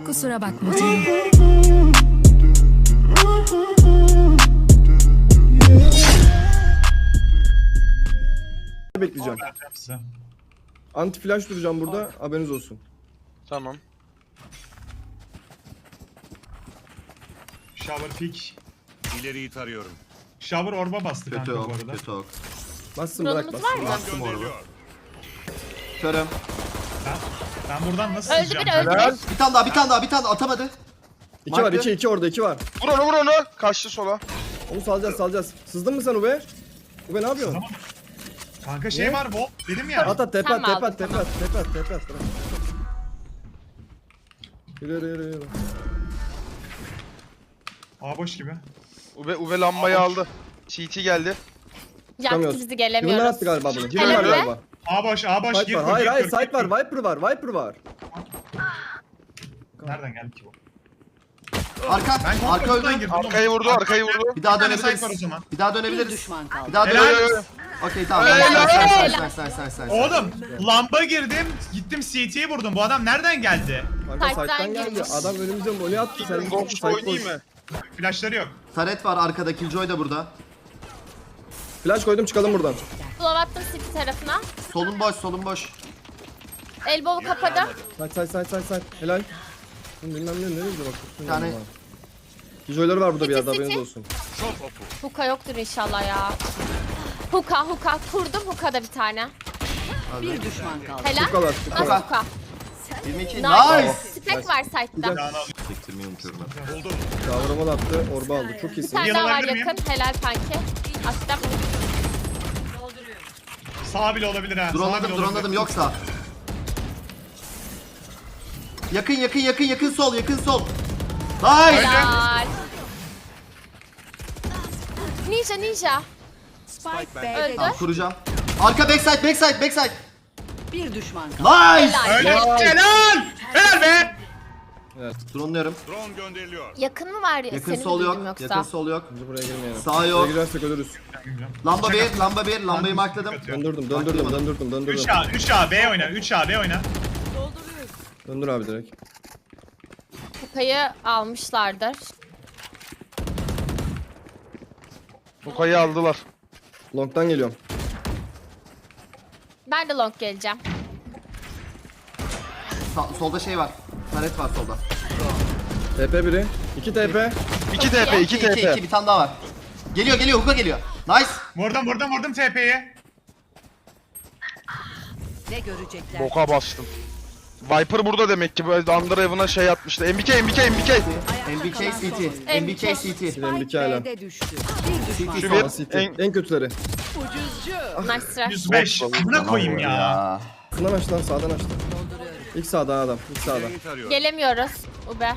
Kusura bakma canım. Bekleyeceğim. Anti flash duracağım burada. Haberiniz olsun. Tamam. Shower pick. İleriyi tarıyorum. Shower orba bastı Kötü kanka bu ok, arada. kötü ok. Bassın bırak Drone'umuz var bassın. mı? Bastım orada. Gönderiliyor. Körüm. Ben buradan nasıl Öldü sızacağım? biri, öldü Helal. biri. Bir tane daha atamadı. 2 var 2 orada 2 var. Vur onu. Kaçtı sola. Onu salacağız. Sızdın mı sen Ube? Ube ne yapıyorsun? Kanka şey var Vol. Dedim ya. At tepe Sen at mi tepe aldın? at tepe at tepe at tepe at. Bırak. Yürü. A boş gibi. Ube lambayı aldı. CT geldi. Yaktı Çıkamıyoruz. bizi Yıllar gelemiyoruz. attı galiba bunu. Helal Yıllar be. galiba. A boş Site gir. var. Hayır site var. Viper var. Nereden geldi ki bu? Arka Ben öldü. kontrolden girdim. Arkayı vurdu. Bir daha Bir tane dönebiliriz. site var o zaman. Bir daha dönebiliriz. Düşman kaldı. Bir daha Helal. dönebiliriz. Okey tamam. Nice. Oğlum lamba girdim. Gittim CT'yi vurdum. Bu adam nereden geldi? Kanka Site'den site'den geldi. girmiş. Adam önümüze voley attı. Sen Ghost'u oynayayım mı? Flashları yok. Taret var arkada. Killjoy da burada. Flash koydum çıkalım buradan. Blow attım city tarafına. Solun boş. Elbow'u kapadım. Side. Helal. Bilmem nereye gidiyor bak. Bir tane- Kijoyları var burada bir yerde City. haberiniz olsun. Çok oku. Hookah yoktur inşallah ya. Hookah kurdum hookah'da bir tane. Bir düşman kaldı. Helal. Tukalar. Nasıl hookah? 22. Nice. Nice. Spek var site'da. Çektirmeyi unutuyorum ben. Buldum. Kavramal attı. Orba aldı. Çok Bir iyisin. tane daha var alabilir miyim? yakın. Helal kanki. Attım. Sağ bile olabilir ha. Sağ bile olabilir. Drone'ladım yoksa. Yakın sol. Nice. Helal. Ninja. Spike B'de Öldü. Tamam kuracağım. Arka backside. bir düşman kaldı. Nice. Helal. Helal be. Drone'luyorum. Drone gönderiliyor. Yakın mı var? Yakın Seni mi sol duydum yok. yoksa? Yakın sol yok. Bence buraya girmeyelim. Sağ Buraya yok. girersek ölürüz. Lamba bir. Lambayı markladım. Döndürdüm. 3A B oyna. 3A B oyna. Döndür abi direkt. Hookah'yı almışlardır. Hookah'yı aldılar. Long'dan geliyorum. Ben de long geleceğim. Solda şey var. Taret var solda. TP biri. 2 TP. 2 TP. 2 2 TP. bir tane daha var. Geliyor Hook'a geliyor. Nice. Vurdum TP'ye. Ne görecekler? Boka bastım. Viper burada demek ki. Böyle Underhaven'a şey atmıştı. MBK. MBK CT. MBK CT. MBK hala. B'de düştü. Bir düşman Şu kaldı. bir. City. En kötüleri. Nice try. 105. Buna koyayım ya. Sağdan aç lan sağdan aç. İlk sağdan adam. İlk sağdan. İleriyi tarıyorum. Gelemiyoruz. Ube.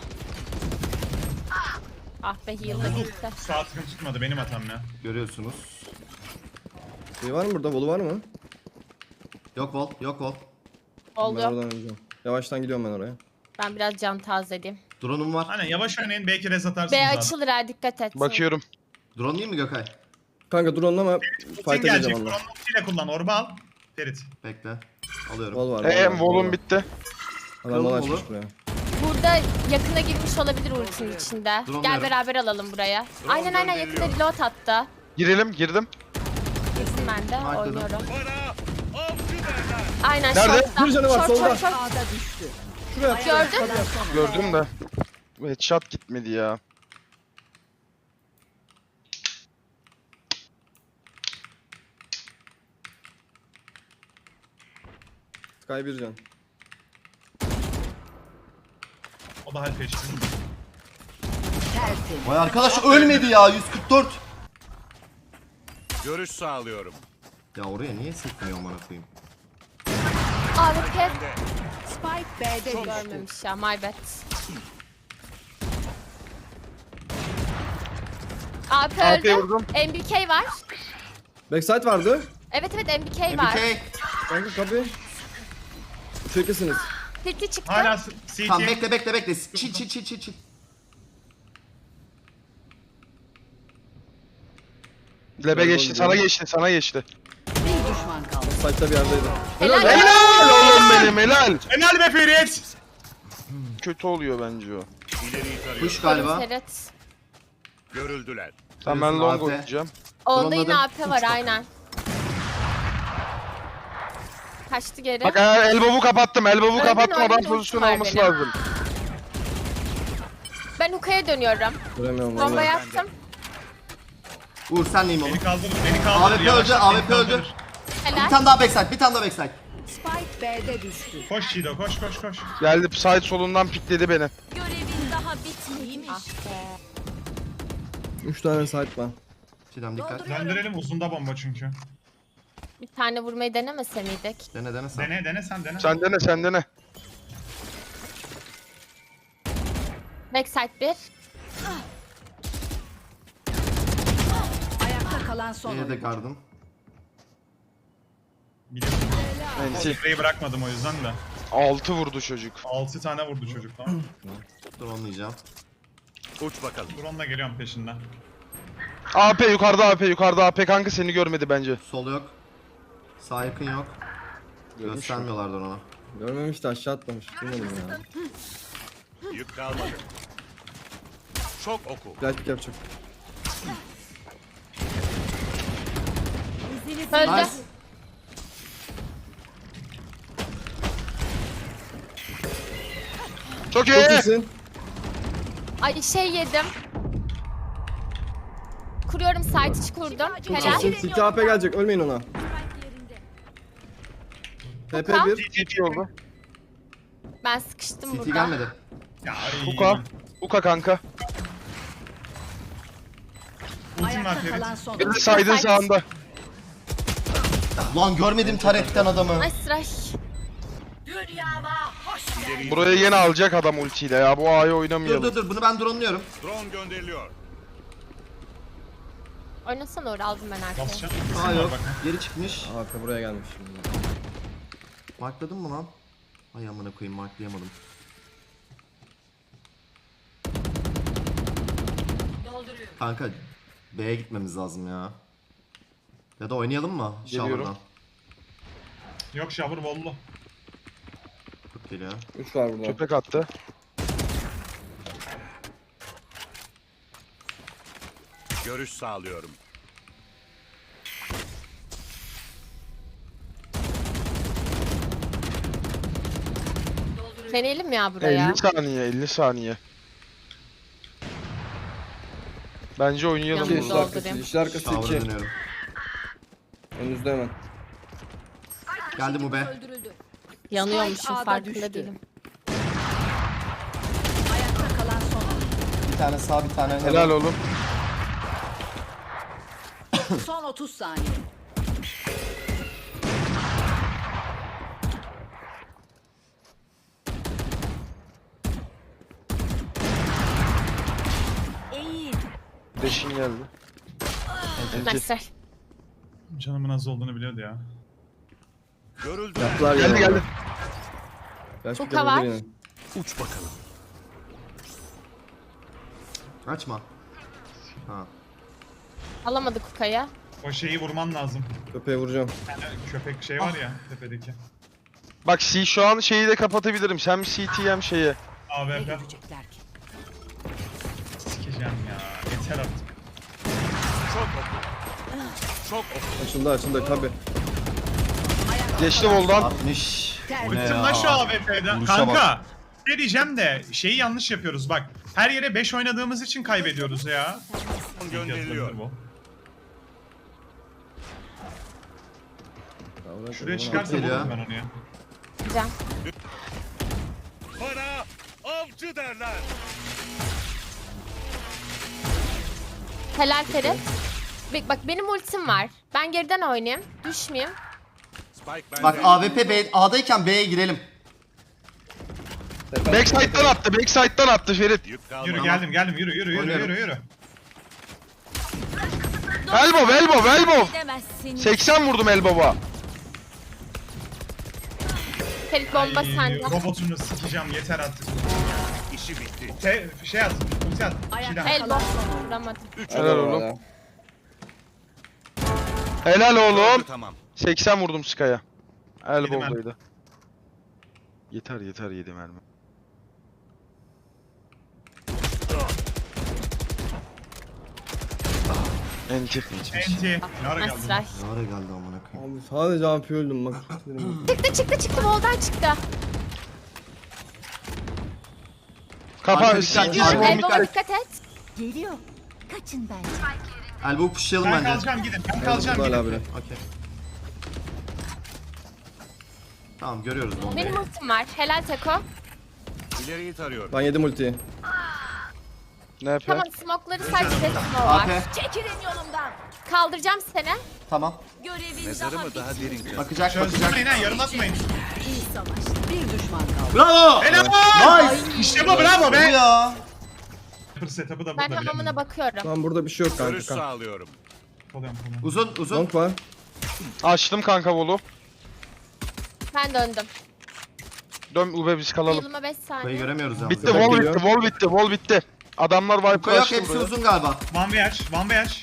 Ah be heal'da gitti. Sağ tıkım tutmadı benim hatam ya. Görüyorsunuz. Şey var mı burada? Volu var mı? Yok vol. Ben Oldu. oradan öleceğim. Yavaştan gidiyorum ben oraya. Ben biraz can tazeleyeyim. Drone'um var. Aynen yavaş oynayın belki res atarsınız B abi. açılır ha dikkat et. Bakıyorum. Drone değil mi Gökay? Kanka drone'la ama Kim fight'a gelecek? gireceğim onunla. Ile kullan orba al. Ferit. Bekle. Alıyorum. Vol var. Volum bitti. Adam bana Kırılma açmış oğlum. buraya. Burada yakına girmiş olabilir ultinin içinde. Drone Gel verin. beraber alalım buraya. Drone Aynen yakında gönderiliyor. reload attı. Girdim. Girdim ben de Markladım. oynuyorum. Bana avcı derler. Aynen Nerede? short'ta. Bir canı var, solda. Short. A'da düştü. Gördün mü? Gördüm de. Headshot gitmedi ya. Sky bir can. O da halp geçti. Tertemiz. Vay arkadaş ölmedi ya 144. Görüş sağlıyorum. Ya oraya niye sıkmıyor amına koyayım? AWP Spike B'de düştü. görmemiş ya my bad. AP AWP öldü. vurdum. MBK var. Backside vardı. Evet MBK var. MBK. Kanka kapı. Çekesiniz. Pilti çıktı. Hala CT. Tamam bekle. Çil. Lebe geçti. Sana geçti. Bir düşman kaldı. Site'da bir yerdeydi. Helal. Helal oğlum benim helal. Helal be Ferit. kötü oluyor bence o. İleriyi tarıyorum. Push galiba. Ferit. Görüldüler. Tamam ben Biliyorsun, long AP. oynayacağım. Onda yine Drone'ladım. AP var aynen. Kaçtı geri. Bak elbow'u kapattım. Elbow'u Öldün, kapattım. Adam öldün, pozisyon ulti var olması benim. lazım. Ben Huka'ya dönüyorum. Göremiyorum Bomba vallahi. yaptım. Uğur sen neyim oğlum? Beni kaldırır, beni kaldırır. AWP Yavaş, öldü, beni AWP öldü. kaldırır. Bir Helal. tane daha backside, bir tane daha backside. Spike B'de düştü. Koş Çiğdo, koş koş koş. Geldi side solundan pikledi beni. Görevin daha bitmeymiş. Ah be. 3 tane site var. Çiğdem dikkat. Döndürelim, uzunda bomba çünkü. Bir tane vurmayı denemese miydik? Dene sen. Dene sen dene. Sen dene sen dene. Backside 1. Ayakta kalan son Diğeri de oyuncu. gardım. Biliyorum. Enti. Şifreyi bırakmadım o yüzden de. 6 vurdu çocuk. 6 tane vurdu çocuk tamam. Drone'layacağım. Uç bakalım. Drone'la geliyorum peşinden. AP yukarıda AP yukarıda AP kanka seni görmedi bence. Sol yok. Sağ yakın yok. Görmüş mü? Göstermiyorlardı ona. Görmemiş de aşağı atlamış. Bilmiyorum ya. Yük kalmadı. Çok oku. Flash pick yapacak. Öldü. Nice. Çok iyi. Çok iyisin. Ay şey yedim. Kuruyorum site içi kurdum. Çok Helal. iyisin. City AP gelecek. Ölmeyin ona. TP Oka. 1. GG oldu. Ben sıkıştım CT burada. gelmedi. Ya ay. Uka. Uka kanka. Ultim var Ayakta Ferit. kalan son Bir de oyuncu. side'ın sağında. Lan görmedim taretten adamı. Ay sıra. İleriyi Buraya yine alacak adam ultiyle ya. Bu A'yı Dur oynamayalım. dur bunu ben drone'luyorum. drone gönderiliyor. Oynasana Uğur aldım ben arkaya. Basacağım. Sağ yok. Bakın. Geri çıkmış. AP buraya gelmiş. Markladın mı lan? Ay amına koyayım marklayamadım. Kanka B'ye gitmemiz lazım ya. Ya da oynayalım mı? Geliyorum. Shower'dan. Yok shower bollu. Çok geliyor. 3 var burada. Köpek attı. Görüş sağlıyorum. Deneyelim ya buraya. 50 saniye 50 saniye. Bence oynayalım Yalnız İşler burada. arkası. doldurayım. İşler arkası Shower'a 2. dönüyorum. Önünüzde hemen. Geldi bu be. Öldürüldü. Yanıyormuşum Spike A'da farkında düştü. değilim. Ayakta kalan son oyuncu. Bir tane sağ bir tane Helal oğlum. Son 30 saniye. Eğil. Deşin geldi. Nice. Canımın az olduğunu biliyordu ya. Görüldü. Yaptılar Geldi yine. geldi. Flash pick Hookah var. yapabilir yine. Uç bakalım. Açma. Ha. Alamadık Huka'ya. O şeyi vurman lazım. Köpeğe vuracağım. Yani köpek şey var ya tepedeki. Bak C şu an şeyi de kapatabilirim. Hem CT hem şeyi. Ne AWP. görecekler ki? Sikeceğim ya. Yeter artık. Çok oku. Çok oku. Açıldı tabi. Geçti voldan. 60. Bu ne Bıktım ya? lan şu AWP'den. Vuruşa Kanka. Ne diyeceğim de şeyi yanlış yapıyoruz bak. Her yere 5 oynadığımız için kaybediyoruz ya. Drone gönderiliyor. Bu. Şuraya Şuraya çıkarsa geliyor. vururum ben onu ya. Gideceğim. Bana avcı derler. Helal Ferit. Bak benim ultim var. Ben geriden oynayayım. Düşmeyeyim. Spike bende. Bak AWP B, A'dayken B'ye girelim. Backside'dan attı. Backside'dan attı Ferit. Yük kalmadı. Yürü geldim yürü Oynuyorum. yürü. Elbow. Edemezsin. 80 vurdum elbow'a. Ferit bomba Ay, sende. robotunu sikeceğim yeter artık. İşi bitti. Şey at, ulti at. Ayakta Şeyden. kalan Elbow. son oyuncu. Vuramadım. Helal oğlum. Helal oğlum. Tamam. 80 vurdum Sky'a. Yedim Elbow'daydı. Yeter yeter 7 mermi. Enti. Enti. Ne ara Nice geldi? try. Ne ara geldi amına koyayım. Abi sadece AP öldüm bak. Çıktı. Voldan çıktı. Kafa Arka CT dikkat, arka smoke. Elbow'a dikkat et. Geliyor. Kaçın bence. Elbow pushlayalım Ben bence. kalacağım gidin. Ben kalacağım Hala gidin. bile. Okey. Tamam görüyoruz bombayı. Benim ultim var. Helal Teko. İleriyi tarıyorum. Ben yedim ultiyi. Ne yapıyor? Tamam smoke'ları sadece smoke var. AP. Çekilin yolumdan. Kaldıracağım seni. Tamam. Görevin Mezarımı daha derin kaz. Bakacak. Çözdürmeyin ha yarım atmayın. iyi savaş. Bir düşman kaldı. Bravo. Helal! Nice. İşte bu bravo Bu be. ya. Setup'ı da Ben burada hamamına bakıyorum. Tamam burada bir şey yok Görüş kanka. sağlıyorum. Oluyorum. Uzun. Long var. Açtım kanka volu. Ben döndüm. Dön ube biz kalalım. Yılıma 5 Burayı saniye. Bitti göremiyoruz yalnız. Yok, wall geliyor. bitti wall bitti wall bitti. Adamlar Yuka Viper yok açtı hepsi buraya. uzun galiba. One way aç. One way aç.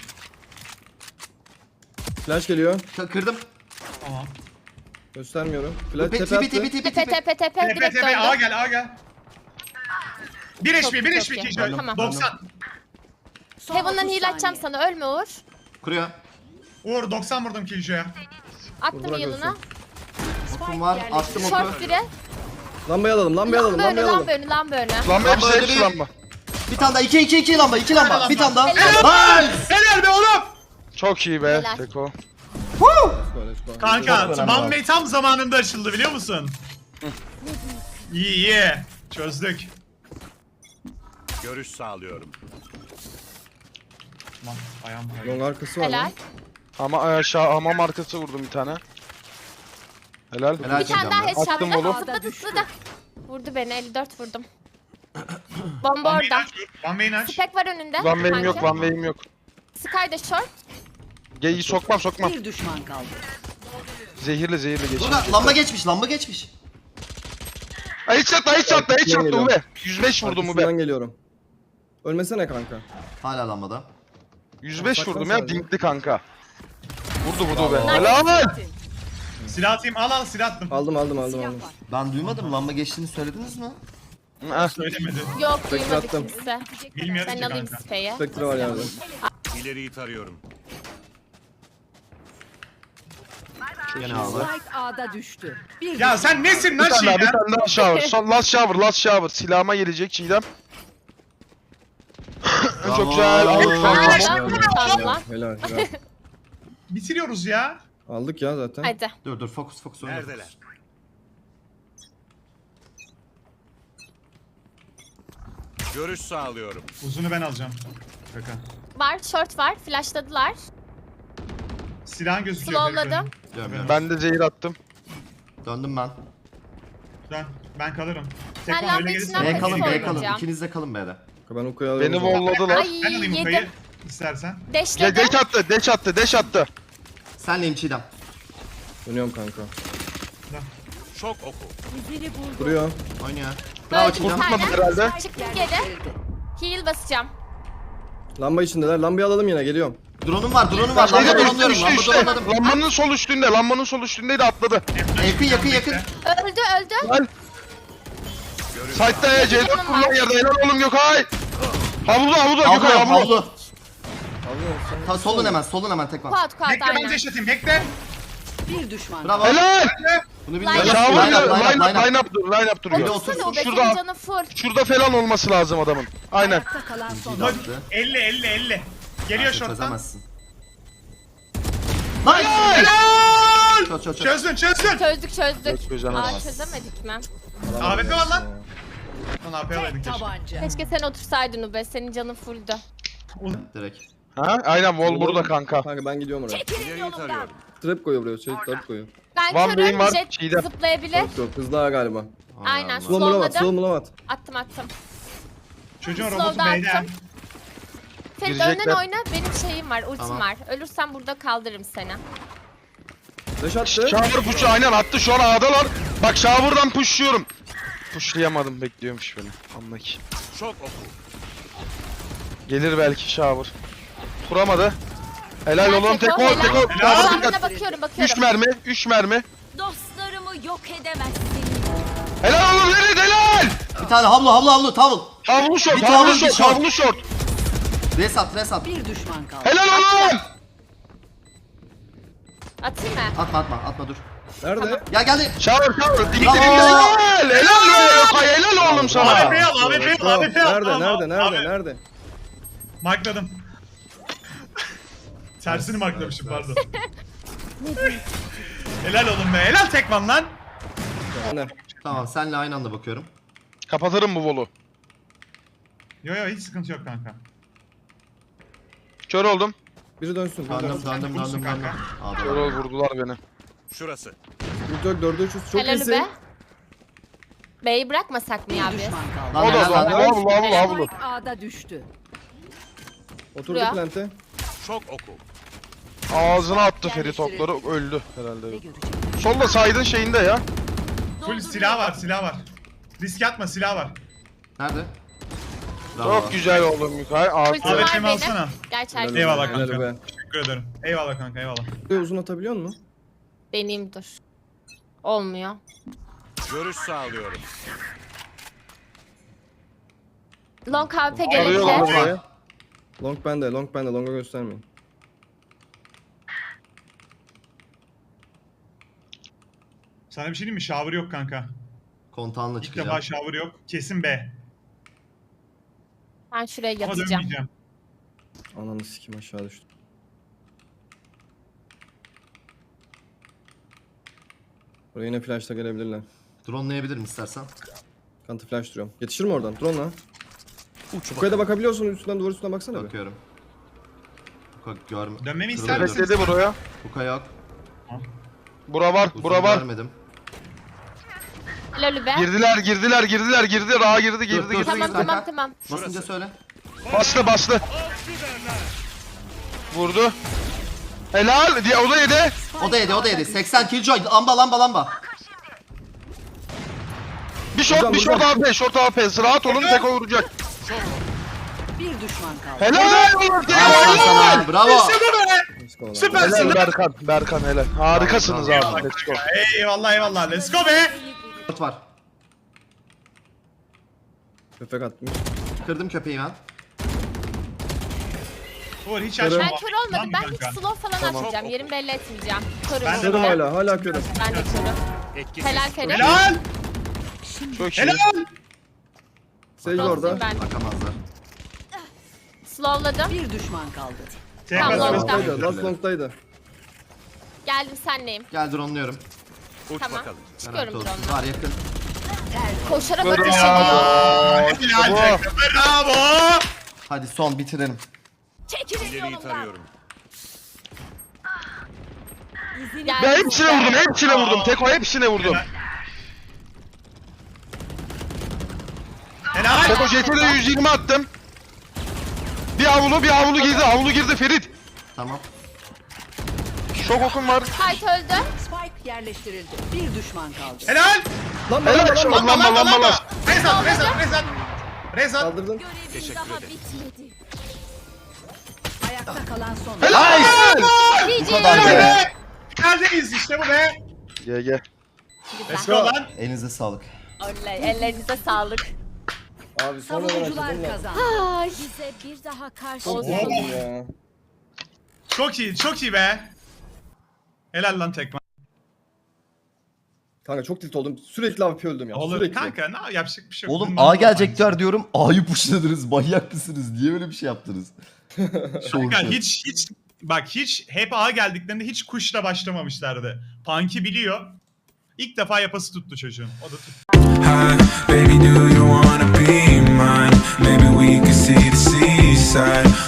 Flash geliyor. Kırdım. Tamam. Göstermiyorum. Flash Tipi tepe tipi attı. tipi Tepe tipi. tepe tepe Tepe direkt tepe A döndüm. gel A gel. 1 Çok HP iyi, 1 çok HP iyi. Killjoy. Tamam. 90. Son Heaven'dan 30 heal açacağım saniye. sana. Ölme Uğur. Kuruyor. Uğur 90 vurdum Killjoy'a. Attım Bırak yılına. ölsün. Okum var. Attım oku. Short biri. Lambayı alalım lambayı alalım Lamba önü, lambayı alalım. lamba önü, lamba önü. Lan hepsi öyle hepsi değil. lamba. Bir tane daha. 2 lamba. 2 lamba. Bir tane daha. Helal. Nice. Helal be oğlum. Çok iyi be Helal. Teko. Kanka Çok One önemli Way tam zamanında açıldı biliyor musun? İyi. Çözdük. Görüş sağlıyorum. Lan ayağım kaydı. Long arkası var Helal. lan. Ama aşağı hamam arkası vurdum bir tane. Helal. Helal. Bir tane daha headshot. Attım oğlum. Zıpladı. Vurdu beni. 54 vurdum. Bomba One orada. Way'ini aç. One Way'ini aç. Spek var önünde. One way'im yok kanka. one way'im yok. Sky da short. Geyi sokmam. Bir düşman kaldı. Zehirli geçin. Burada lamba geçmiş. Hiç çattı geliyor. ube. 105 vurdum ube. Arkasından geliyorum. Ölmesene kanka. Hala lambada. 105 Saklan vurdum ya sadece. dinkli kanka. Vurdu be. Bravo. Helal. Silah atayım al silah attım. Aldım. Ben duymadım. Lamba geçtiğini söylediniz mi? Söylemedi. Yok duymadı attım. kimse. Bilmiyoruz Ben ki alayım kanka. Spey'i. Spectre var yerde. İleriyi tarıyorum. Gene aldı. Spike A'da düştü. Bir Ya sen nesin lan Bir tane Çiğdem? daha shower. Son last shower. Silahıma gelecek Çiğdem. Bravo. Çok güzel. Tamam. Helal. Bitiriyoruz ya. Aldık ya zaten. Hadi. Dur fokus oyna. Neredeler? Görüş sağlıyorum. Uzunu ben alacağım. Kaka. Var short var. Flashladılar. Silahın gözüküyor. Slowladım. Diyorum. Ben de zehir attım. Döndüm ben. Ben kalırım. Ben Tekman lamba öyle gelirse içinden B Nasıl kalın. oynayacağım? İkiniz de kalın B'de. Ben Uka'yı alıyorum. Beni o zaman. volladılar. Ay Ben alayım yedim. Uka'yı istersen. Deşledim. Deş attı. Senleyim Çiğdem. Dönüyorum kanka. Şok oku. İzini buldu. Duruyor. Oynuyor. Bravo Öldü bir Çiğdem. tane. herhalde. Çıktım geri. Heal basacağım. Lamba içindeler. Lambayı alalım yine geliyorum. Drone'um var. Lamba Zehir drone'luyorum. Lamba drone'ladım. Lambanın sol üstündeydi atladı. Yakın. Öldü. Sight'ta ya C4 kullan yerde. Helal oğlum Gökay. Havluda Gökay havlu. Havlu. Ta solun hemen tekman. Kuat Bekle ben aynen. deş atayım. Bekle. Bir düşman kaldı. Bravo. Helal. Bunu Line bilmiyorum. up. Line up Bir de duruyor. otur. Otursana o be Şurada. senin canı full. Şurada falan olması lazım adamın. Aynen. Ayakta kalan son. Dur. 50. Geliyor şorttan. Çözemezsin. Nice. Çöz. Çözdün. Çözdük. Çözemez. Aa çözemedik mi? AWP var lan. Lan AP alaydın Tek keşke. tabanca. Keşke sen otursaydın Ube. Senin canın fulldü. Direkt. Ha? Aynen wall burada kanka. Kanka ben gidiyorum oraya. Çekilin İleriyi yolumdan. tarıyorum. Trap koyuyor buraya. Trap koyuyor. Ben One Way'im körüm. var, Jet Çiğdem. zıplayabilir. Yok hızlı ha galiba. Aynen. Allah. Slow mulavat. Slowladım. Attım. Çocuğun Slow robotu da B'den. attım. Ferit Girecekler. önden oyna. Benim şeyim var. Ultim Tamam. var. Ölürsem burada kaldırırım seni. Flash attı. Shower push'u aynen attı şu an A'dalar. Bak shower'dan push'luyorum. Push'layamadım bekliyormuş beni. Anla ki. Şok oku. Gelir belki shower. Kuramadı. Helal oğlum tek Helal. ol tek ol. Helal. Shower Sağına dikkat. bakıyorum. 3 mermi. Dostlarımı yok edemezsin. Helal oğlum helal. Bir tane havlu tavul. Havlu short Bir tane havlu bir short short. havlu short. Res at. Bir düşman kaldı. Helal oğlum. Atayım mı? Atma dur. Nerede? Ya geldi. Shower. Dik dik Bravo. helal. Helal be. Helal oğlum sana. AWP'yi al, AWP'yi al, AWP'yi al. Nerede? Markladım. Tersini marklamışım pardon. Helal oğlum be. Helal tekman lan. Ne? Tamam senle aynı anda bakıyorum. Kapatırım bu volu. Yo hiç sıkıntı yok kanka. Kör oldum. Biri dönsün. Döndüm. Kör ol, vurdular beni. Şurası. Ultör 4'e 300 çok Helal iyisin. be. B'yi bırakmasak mı ya Bir biz? düşman kaldı. Lan O da helal lan. havlu. Spike A'da düştü. Oturdu Ya. plante. Şok oku. Ağzına attı Ferit okları, öldü herhalde. Ne görecek? Solda saydın şeyinde ya. Full silah var. Risk atma, silah var. Nerede? Bravo. Çok güzel oğlum Mikael. Ultim Abi, var Cem benim. alsana. Gerçekten. Eyvallah Helal kanka. be. Teşekkür ederim. Eyvallah kanka, eyvallah. Buraya uzun atabiliyor musun? Deneyim dur. Olmuyor. Görüş sağlıyorum. Long KP Arıyor lan gerekli. burayı. Long bende. Long'a göstermeyin. Sana bir şey diyeyim mi? Shower yok kanka. Kontağınla İlk çıkacağım. defa shower yok. Kesin B. Ben şuraya Ama yatacağım. dönmeyeceğim. Ananı sikim aşağı düştü. Buraya yine flash'ta gelebilirler. Drone'layabilirim istersen. Kantı flash duruyorum. Yetişir mi oradan? Drone'la. Yukarıya da bakabiliyorsun. Üstünden duvar üstüne baksana bir. Bakıyorum. Huka görme. Dönmemi Dur, ister dur, misin? dur. Bekledi buraya. Huka yok. Bura var. Uzun Bura var. Görmedim. Helal be. Girdiler. Rağa girdi. Dur. Tamam. Basınca söyle. Bastı. Vurdu. Helal. Diye o da yedi. O da yedi. 80 killjoy. Lamba. Bir short AP. Short AP. Rahat olun, tek o vuracak. Bir düşman kaldı. Helal oğlum. Helal sana. Bravo. Let's go lan. Süpersin Helal lan. Berkan helal. Harikasınız Bravo. abi. Let's go. Eyvallah. Let's go be. 4 var. Köpek atmış. Kırdım köpeği ben. Uğur hiç Körüm. açma. Ben kör olmadım. Tamam Ben kanka. hiç slow falan atmayacağım. Yerimi belli etmeyeceğim. Körüm. Ben de Körüm Ben hala körüm. de körüm. Etkisiz. Helal Ferit. Helal. Çok iyi. Helal. Sage orada. Ben Bakamazlar. slowladım. Bir düşman kaldı. Tamam, Tekrar. long'da. Last long'daydı. Geldim senleyim. Gel drone'luyorum. Uç Tamam. bakalım. Çıkıyorum Garanti olsun. drone'la. Var yakın. Koşarak Bravo. ateş ediyor. Helal. Bravo. Hadi son bitirelim. Çekilin İleriyi yolumdan. tarıyorum. Geldim Ben hepsine size. vurdum. Teko hepsine vurdum. Helal. Teko JT'de 120 attım. Bir havlu girdi Ferit. Tamam. Şok okum var. Kite öldü. Spike yerleştirildi. Bir düşman kaldı. Helal. Helal şu lamba. Rezat. Kaldırdın. Görevim daha bitmedi. Ayakta kalan son. Bu kadar GG. be. Neredeyiz işte bu be. GG. Let's go lan. Elinize sağlık. Oley. Ellerinize sağlık. Abi son olarak Savunucular açıldım lan. kazandı. Ay. Bize bir daha karşı Olsun. Ya. Çok iyi be. Helal lan tekman. Kanka çok tilt oldum. Sürekli AWP öldüm ya. Olur Sürekli. kanka ne yapacak bir şey yok. Oğlum Bundan A sonra gelecekler diyorum. A'yı pushladınız. Manyak mısınız? Niye böyle bir şey yaptınız? Kanka hiç hep A geldiklerinde hiç kuşla başlamamışlardı. Punk'i biliyor. İlk defa yapası tuttu çocuğun. O da tuttu. Hi, baby, do you wanna be mine? Maybe we could see the seaside